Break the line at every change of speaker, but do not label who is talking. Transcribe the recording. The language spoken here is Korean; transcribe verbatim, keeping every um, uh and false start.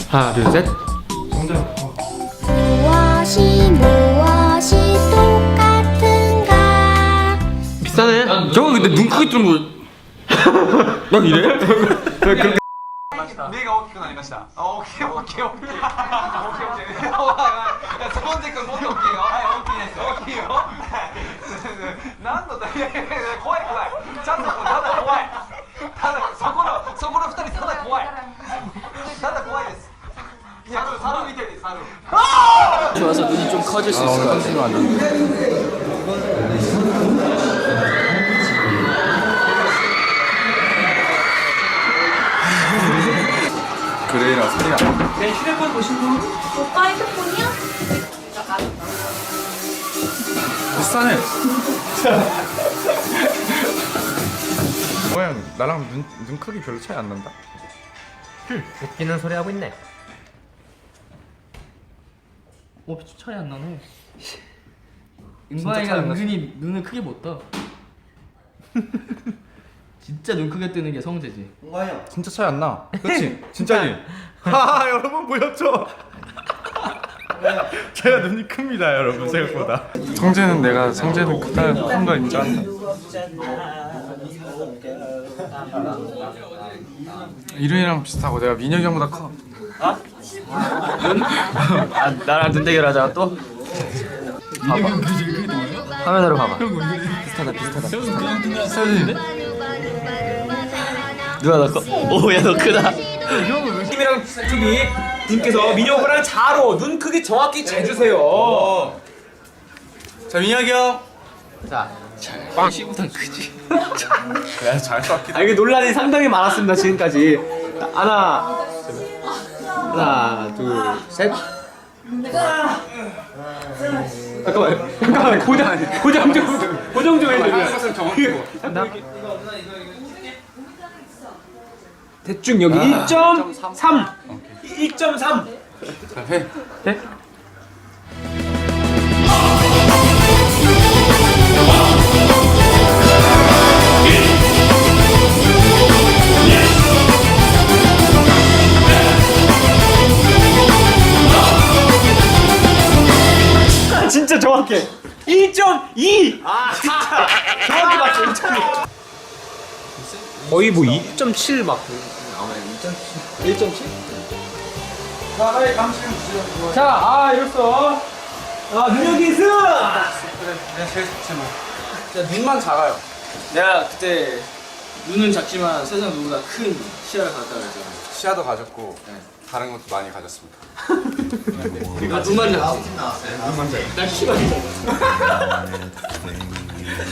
하나 둘 셋.
무엇이 무엇이 똑같은가?
비싸네. 저거 근데 눈 크게 뜨는 거. 막 이래? 그렇게.
目が大きくなりました。あ、大きい大きい大きい。大きい大きい。スポンジ君もっと大きいよ。はい、大きいです。大きいよ。何のだいやいやいや怖い怖い。ちゃんとただ怖い。ただそこのそこの二人ただ怖い。ただ怖いです。いや、猿みたいです猿。
좋아서 눈이 좀 커질 수 있을 것 같아요.
그레이랑 소리야.
내 휴대폰 보신 분?
오빠 핸드폰이야?
비싸네. 뭐야, 나랑 눈, 눈 크기 별로 차이 안 난다.
웃기는 소리 하고 있네.
오, 차이 안 나네.
차이
은광이가
안 나지?
은근히 눈을 크게 못 떠. 진짜 눈 크게 뜨는 게 성재지.
진짜 차이 안 나. 그렇지? 진짜지? 하하, 여러분 보였죠? 제가 눈이 큽니다, 여러분 생각보다. 성재는 내가 성재는 크다 큰 거 인정한다. 이름이랑 비슷하고 내가 민혁이 형보다 커.
아, 나랑 눈 대결하자 또?
민혁이 형 그게 그게 뭐야?
화면으로 봐봐.
비슷하다 비슷하다. 비슷하지?
누가 더 커? 오, 야, 너 크다.
팀이랑 팀이 님께서 민혁이랑 자로 눈 크기 정확히 재주세요.
자, 민혁이 형.
자, 빵 씨보단 크지.
그래, 잘 쐈기.
아, 이게 논란이 상당히 많았습니다 지금까지. 하나, 하나, 둘, 셋. 잠깐만, 잠깐만 고정, 고정 좀, 고정 좀 해주세요. 대충 여기 일 점 삼, 일 점 삼.
자, 해.
네? 진짜 정확해. 일 점 이. 아, 진짜 정확히 맞죠. 일 점 이. 거의 뭐 이 점 칠 막. 일 점 칠? 자, 빨리 감시 좀 주세요. 자, 아, 이랬어. 아, 능력이 승!
내가 제일 좋지 뭐.
진짜 눈만 작아요. 내가 그때 눈은 작지만 세상 누구보다 큰 시야를 갖다 그랬잖아.
시야도 가졌고 다른 것도 많이 가졌습니다.
아, 눈만 작지? 눈만 작아. 나 키가 작아.